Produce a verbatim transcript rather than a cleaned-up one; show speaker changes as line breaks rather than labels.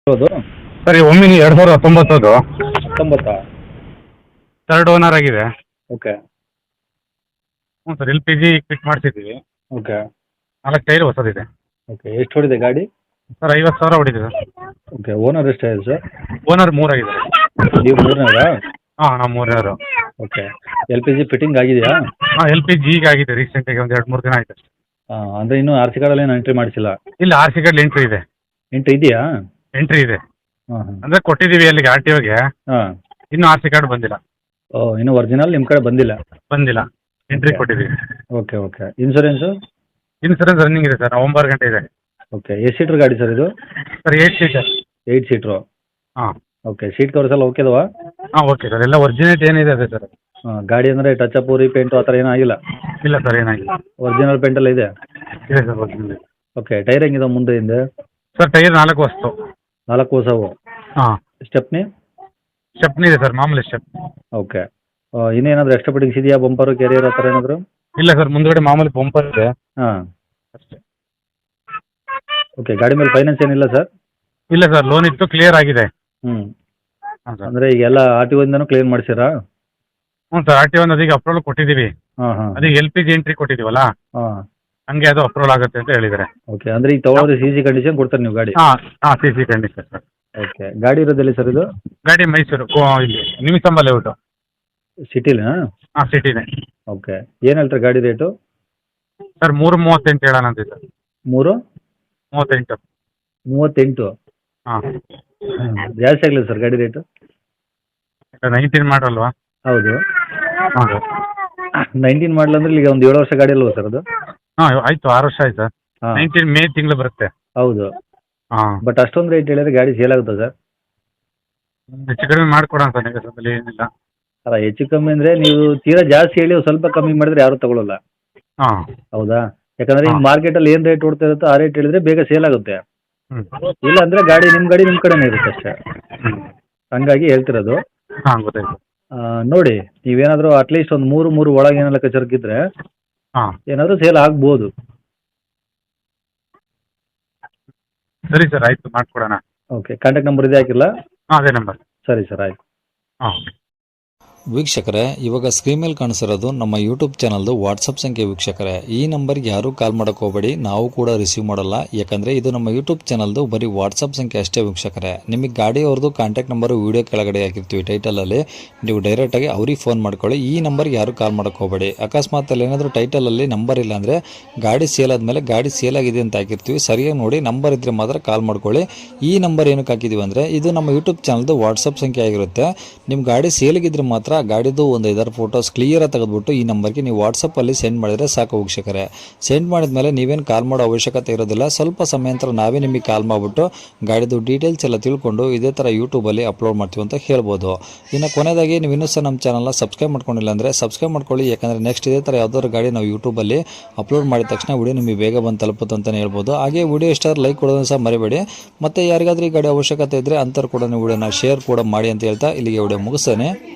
ಹೌದು
ಸರ್ ಈ ಒಮ್ಮಿನಿ ಎರಡು ಸಾವಿರದ ಹತ್ತೊಂಬತ್ತದು
ಹತ್ತೊಂಬತ್ತಾ
ಥರ್ಡ್ ಓನರ್ ಆಗಿದೆ.
ಓಕೆ
ಹ್ಞೂ sir L P G fit ಮಾಡಿಸಿದ್ದೀವಿ.
ಓಕೆ
ನಾಲ್ಕು ಟೈರ್ ಹೊಸದಿದೆ.
ಓಕೆ ಎಷ್ಟು ಹೊಡಿದೆ ಗಾಡಿ?
ಸರ್ ಐವತ್ತು ಸಾವಿರ ಹೊಡಿದೆ ಸರ್.
ಓಕೆ ಓನರ್ ಎಷ್ಟಾಗಿದೆ ಸರ್?
ಓನರ್ ಮೂರಾಗಿದೆ.
ನೀವು ಮೂರನೇವರಾ?
ಹಾಂ ನಾವು ಮೂರನೇವರು.
Okay L P G fitting ಆಗಿದೆಯಾ?
ಹಾಂ ಎಲ್ ಪಿ ಜಿ ಈಗ ಆಗಿದೆ ರೀಸೆಂಟಾಗಿ ಒಂದು ಎರಡು ಮೂರು ದಿನ ಆಯ್ತು ಅಷ್ಟೇ.
ಹಾಂ ಅಂದರೆ ಇನ್ನೂ ಆರ್ ಸಿ ಕಾರ್ಡಲ್ಲಿ ಏನು ಎಂಟ್ರಿ ಮಾಡಿಸಿಲ್ಲ?
ಇಲ್ಲ ಆರ್ ಸಿ ಕಾರ್ಡ್ ಎಂಟ್ರಿ ಇದೆ.
ಎಂಟ್ರಿ ಇದೆಯಾ?
ಎಂಟ್ರಿ ಇದೆ
ಹಾಂ ಹಾಂ
ಅಂದರೆ ಕೊಟ್ಟಿದ್ದೀವಿ ಅಲ್ಲಿಗೆ ಆರ್ ಟಿ ಒಗೆ.
ಹಾಂ
ಇನ್ನೂ ಆರ್ ಸಿ ಕಾರ್ಡ್ ಬಂದಿಲ್ಲ.
ಓ ಇನ್ನೂ ಒರಿಜಿನಲ್ ನಿಮ್ಮ ಕಡೆ ಬಂದಿಲ್ಲ?
ಬಂದಿಲ್ಲ, ಎಂಟ್ರಿ ಕೊಟ್ಟಿದ್ದೀವಿ.
Okay okay insurance?
Insurance running ಇದೆ ಸರ್, ಒಂಬತ್ತು ಗಂಟೆ ಇದೆ.
ಓಕೆ ಎಷ್ಟು ಸೀಟ್ರ್ ಗಾಡಿ ಸರ್ ಇದು?
Sir eight seater.
Eight seater.
ಹಾಂ
ಓಕೆ ಸೀಟ್ ಕವರ್ಸ್ ಎಲ್ಲ ಓಕೆ ಅದಾವಾ?
ಹಾಂ ಓಕೆ ಸರ್, ಎಲ್ಲ ಒರಿಜಿನೇಟ್ ಏನಿದೆ ಅದೇ ಸರ್.
ಹಾಂ ಗಾಡಿ ಅಂದರೆ ಟಚ್ ಅಪ್ ರೀಪೇಂಟು ಆ ಥರ ಏನೂ ಆಗಿಲ್ಲ?
ಇಲ್ಲ ಸರ್ ಏನಾಗಿಲ್ಲ.
ಒರಿಜಿನಲ್ ಪೇಂಟೆಲ್ಲ ಇದೆ?
ಇದೆ ಸರ್ ಒರಿಜಿನಲ್.
ಓಕೆ ಟೈರ್ ಹೆಂಗಿದೆ ಮುಂದೆ ಹಿಂದೆ?
ಸರ್ ಟೈರ್ ನಾಲ್ಕು ವಸ್ತು.
ನಾಲ್ಕು ಹೊಸವು?
ಹಾಂ
ಸ್ಟೆಪ್ನಿ?
ಸ್ಟೆಪ್ನಿ ಇದೆ ಸರ್, ಮಾಮೂಲಿ ಸ್ಟೆಪ್.
ಓಕೆ ಇನ್ನೇನಾದರೂ ಎಕ್ಸ್ಟ್ರಾ ಫಿಟ್ಟಿಂಗ್ಸ್ ಇದೆಯಾ? ಬಂಪರು ಕೆರಿಯರ್ ಆ ಥರ ಏನಾದರೂ?
ಇಲ್ಲ ಸರ್, ಮುಂದ್ಗಡೆ ಮಾಮೂಲಿ ಬಂಪರ್ ಇದೆ
ಹಾಂ
ಅಷ್ಟೇ.
ಓಕೆ ಗಾಡಿ ಮೇಲೆ ಫೈನಾನ್ಸ್ ಏನಿಲ್ಲ ಸರ್?
ಇಲ್ಲ ಸರ್, ಲೋನ್ ಇತ್ತು, ಕ್ಲಿಯರ್ ಆಗಿದೆ.
ಹ್ಞೂ
ಹಾಂ ಸರ್.
ಅಂದರೆ ಈಗೆಲ್ಲ ಆರ್ ಟಿ ಒಯಿಂದನೂ ಕ್ಲಿಯರ್ ಮಾಡಿಸಿರಾ?
ಹ್ಞೂ ಸರ್, ಆರ್ ಟಿ ಒನ್ ಅದೀಗ ಅಪ್ರೂವಲ್ ಕೊಟ್ಟಿದ್ದೀವಿ.
ಹಾಂ ಹಾಂ
ಅದೀಗ ಎಲ್ ಪಿ ಜಿ ಎಂಟ್ರಿ ಕೊಟ್ಟಿದ್ದೀವಲ್ಲ,
ಹಾಂ
ಹಂಗೆ ಅದು ಅಪ್ರೂವಲ್ ಆಗುತ್ತೆ ಅಂತ ಹೇಳಿದ್ದಾರೆ.
ಓಕೆ ಅಂದರೆ ಈಗ ತೊಗೊಳೋದ್ರೆ ಸಿ ಸಿ ಕಂಡೀಷನ್ ಕೊಡ್ತಾರೆ ನೀವು ಗಾಡಿ?
ಹಾಂ ಹಾಂ C C condition sir.
Okay ಗಾಡಿ ಇರೋದೆಲ್ಲಿ ಸರ್ ಇದು?
ಗಾಡಿ ಮೈಸೂರು ಕೋ ಇಲ್ಲಿ ನಿಮಿಸಂಬ ಲೇಔಟು.
ಸಿಟಿಲಾ?
ಹಾಂ ಸಿಟಿನೇ.
ಓಕೆ ಏನು ಹೇಳ್ತಾರೆ ಗಾಡಿ ರೇಟು?
ಸರ್ ಮೂರು ಮೂವತ್ತೆಂಟು ಹೇಳೋಣ ಅಂತ ಸರ್.
ಮೂರು
ಮೂವತ್ತೆಂಟು.
ಮೂವತ್ತೆಂಟು?
ಹಾಂ
ಜಾಸ್ತಿ ಆಗಲಿಲ್ಲ ಸರ್ ಗಾಡಿ ರೇಟು?
ನೈನ್ಟೀನ್ ಮಾಡಲ್ವಾ?
ಹೌದು
ಹಾಂ ಸರ್.
ನೈನ್ಟೀನ್ ಮಾಡಲ್ ಅಂದ್ರೆ ಈಗ ಒಂದು ಏಳು ವರ್ಷ ಗಾಡಿ ಅಲ್ವಾ ಸರ್ ಅದು?
ಹಾಂ ಆಯಿತು, ಆರು ವರ್ಷ ಆಯ್ತು ಸರ್.
ಹಾಂ
ನೈನ್ಟೀನ್ ಮೇ ತಿಂಗಳು ಬರುತ್ತೆ.
ಹೌದು
ಹಾಂ
ಬಟ್ ಅಷ್ಟೊಂದು ರೇಟ್ ಹೇಳಿದ್ರೆ ಗಾಡಿ ಸೇಲ್ ಆಗುತ್ತಾ ಸರ್?
ಹೆಚ್ಚು ಕಡಿಮೆ ಮಾಡಿಕೊಡೋಣ ಸರ್, ನಿಮಗೆ ಏನಿಲ್ಲ.
ಅಲ್ಲ ಹೆಚ್ಚು ಕಮ್ಮಿ ಅಂದರೆ ನೀವು ತೀರಾ ಜಾಸ್ತಿ ಹೇಳಿ ಸ್ವಲ್ಪ ಕಮ್ಮಿ ಮಾಡಿದ್ರೆ ಯಾರೂ ತಗೊಳ್ಳಲ್ಲ.
ಹಾಂ
ಹೌದಾ? ಯಾಕಂದರೆ ಈಗ
ಹಾಂ.
ಮಾರ್ಕೆಟಲ್ಲಿ ಏನು ರೇಟ್ ಓಡ್ತಾ ಇರುತ್ತೋ ಆ ರೇಟ್ ಹೇಳಿದ್ರೆ ಬೇಗ ಸೇಲ್ ಆಗುತ್ತೆ.
ಹ್ಞೂ
ಇಲ್ಲ ಅಂದರೆ ಗಾಡಿ ನಿಮ್ಮ ಗಾಡಿ ನಿಮ್ಮ ಕಡೆನೇ ಇರುತ್ತೆ ಅಷ್ಟೇ.
ಹ್ಞೂ
ಹಂಗಾಗಿ ಹೇಳ್ತಿರೋದು.
ಹಾಂ ಗೊತ್ತಾಯ್ತು.
ಆ, ನೋಡಿ ನೀವೇನಾದರೂ ಅಟ್ಲೀಸ್ಟ್ ಒಂದು ಮೂರು ಮೂರು ಒಳಗೆ ಏನೆಲ್ಲ ಕಚರ್ಕಿದ್ರೆ
ಹಾಂ
ಏನಾದರೂ ಸೇಲ್ ಆಗ್ಬೋದು.
ಸರಿ ಸರ್, ಆಯಿತು ಮಾಡಿಕೊಡೋಣ.
ಓಕೆ ಕಾಂಟ್ಯಾಕ್ಟ್ ನಂಬರ್ ಇದೆ ಹಾಕಿಲ್ಲ?
ಹಾಂ ಅದೇ ನಂಬರ್.
ಸರಿ ಸರ್ ಆಯಿತು.
ಹಾಂ
ವೀಕ್ಷಕರೇ, ಇವಾಗ ಸ್ಕ್ರೀನ್ ಮೇಲೆ ಕಾಣಿಸಿರೋದು ನಮ್ಮ ಯೂಟ್ಯೂಬ್ ಚಾನಲ್ದು ವಾಟ್ಸಪ್ ಸಂಖ್ಯೆ. ವೀಕ್ಷಕರೇ, ಈ ನಂಬರ್ಗೆ ಯಾರೂ ಕಾಲ್ ಮಾಡೋಕ್ಕೆ ಹೋಗಬೇಡಿ, ನಾವು ಕೂಡ ರಿಸೀವ್ ಮಾಡಲ್ಲ. ಯಾಕಂದರೆ ಇದು ನಮ್ಮ ಯೂಟ್ಯೂಬ್ ಚಾನಲ್ದು ಬರೀ ವಾಟ್ಸಪ್ ಸಂಖ್ಯೆ ಅಷ್ಟೇ. ವೀಕ್ಷಕರೇ, ನಿಮಗೆ ಗಾಡಿಯವ್ರದ್ದು ಕಾಂಟ್ಯಾಕ್ಟ್ ನಂಬರು ವೀಡಿಯೋ ಕೆಳಗಡೆ ಹಾಕಿರ್ತೀವಿ ಟೈಟಲಲ್ಲಿ, ನೀವು ಡೈರೆಕ್ಟಾಗಿ ಅವ್ರಿಗೆ ಫೋನ್ ಮಾಡ್ಕೊಳ್ಳಿ. ಈ ನಂಬರ್ಗೆ ಯಾರೂ ಕಾಲ್ ಮಾಡೋಕ್ಕೆ ಹೋಗಬೇಡಿ. ಅಕಸ್ಮಾತ್ ಅಲ್ಲಿ ಏನಾದರೂ ಟೈಟಲಲ್ಲಿ ನಂಬರ್ ಇಲ್ಲ ಅಂದರೆ ಗಾಡಿ ಸೇಲ್ ಆದಮೇಲೆ ಗಾಡಿ ಸೇಲ್ ಆಗಿದೆ ಅಂತ ಹಾಕಿರ್ತೀವಿ, ಸರಿಯಾಗಿ ನೋಡಿ ನಂಬರ್ ಇದ್ದರೆ ಮಾತ್ರ ಕಾಲ್ ಮಾಡ್ಕೊಳ್ಳಿ. ಈ ನಂಬರ್ ಏನಕ್ಕೆ ಹಾಕಿದ್ದೀವಿ ಅಂದರೆ ಇದು ನಮ್ಮ ಯೂಟ್ಯೂಬ್ ಚಾನಲ್ದು ವಾಟ್ಸಪ್ ಸಂಖ್ಯೆ ಆಗಿರುತ್ತೆ. ನಿಮ್ಮ ಗಾಡಿ ಸೇಲಿಗಿದ್ರೆ ಮಾತ್ರ ಗಾಡಿದು ಒಂದು ಐದಾರು ಫೋಟೋಸ್ ಕ್ಲಿಯರಾಗಿ ತೆಗೆದುಬಿಟ್ಟು ಈ ನಂಬರ್ಗೆ ನೀವು ವಾಟ್ಸಪ್ಪಲ್ಲಿ ಸೆಂಡ್ ಮಾಡಿದರೆ ಸಾಕು. ವೀಕ್ಷಕರೇ, ಸೆಂಡ್ ಮಾಡಿದ್ಮೇಲೆ ನೀವೇನು ಕಾಲ್ ಮಾಡೋ ಅವಶ್ಯಕತೆ ಇರೋದಿಲ್ಲ. ಸ್ವಲ್ಪ ಸಮಯ ನಂತರ ನಾವೇ ನಿಮಗೆ ಕಾಲ್ ಮಾಡಿಬಿಟ್ಟು ಗಾಡಿದು ಡೀಟೇಲ್ಸ್ ಎಲ್ಲ ತಿಳ್ಕೊಂಡು ಇದೇ ಥರ ಯೂಟ್ಯೂಬಲ್ಲಿ ಅಪ್ಲೋಡ್ ಮಾಡ್ತೀವಿ ಅಂತ ಹೇಳ್ಬೋದು. ಇನ್ನು ಕೊನೆಯದಾಗಿ ನೀವು ಇನ್ನೂ ಸಹ ನಮ್ಮ ಚಾನಲ್ನ ಸಬ್ಸ್ಕ್ರೈಬ್ ಮಾಡ್ಕೊಂಡಿಲ್ಲ ಅಂದರೆ ಸಬ್ಸ್ಕ್ರೈಬ್ ಮಾಡ್ಕೊಳ್ಳಿ. ಯಾಕಂದರೆ ನೆಕ್ಸ್ಟ್ ಇದೇ ಥರ ಯಾವ್ದಾದ್ರು ಗಾಡಿ ನಾವು ಯೂಟ್ಯೂಬಲ್ಲಿ ಅಪ್ಲೋಡ್ ಮಾಡಿದ ತಕ್ಷಣ ವಿಡಿಯೋ ನಿಮಗೆ ಬೇಗ ಬಂದು ತಲುಪುತ್ತೆ ಅಂತಲೇ ಹೇಳ್ಬೋದು. ಹಾಗೆ ವಿಡಿಯೋ ಇಷ್ಟ ಲೈಕ್ ಕೊಡೋದನ್ನು ಸಹ ಮರಿಬೇಡಿ. ಮತ್ತು ಯಾರಿಗಾದ್ರೂ ಈ ಗಾಡಿ ಅವಶ್ಯಕತೆ ಇದ್ದರೆ ಅಂಥವ್ರು ಕೂಡ ನೀವು ವಿಡಿಯೋನ ಶೇರ್ ಕೂಡ ಮಾಡಿ ಅಂತ ಹೇಳ್ತಾ ಇಲ್ಲಿಗೆ ವಿಡಿಯೋ ಮುಗಿಸ್ತೇನೆ.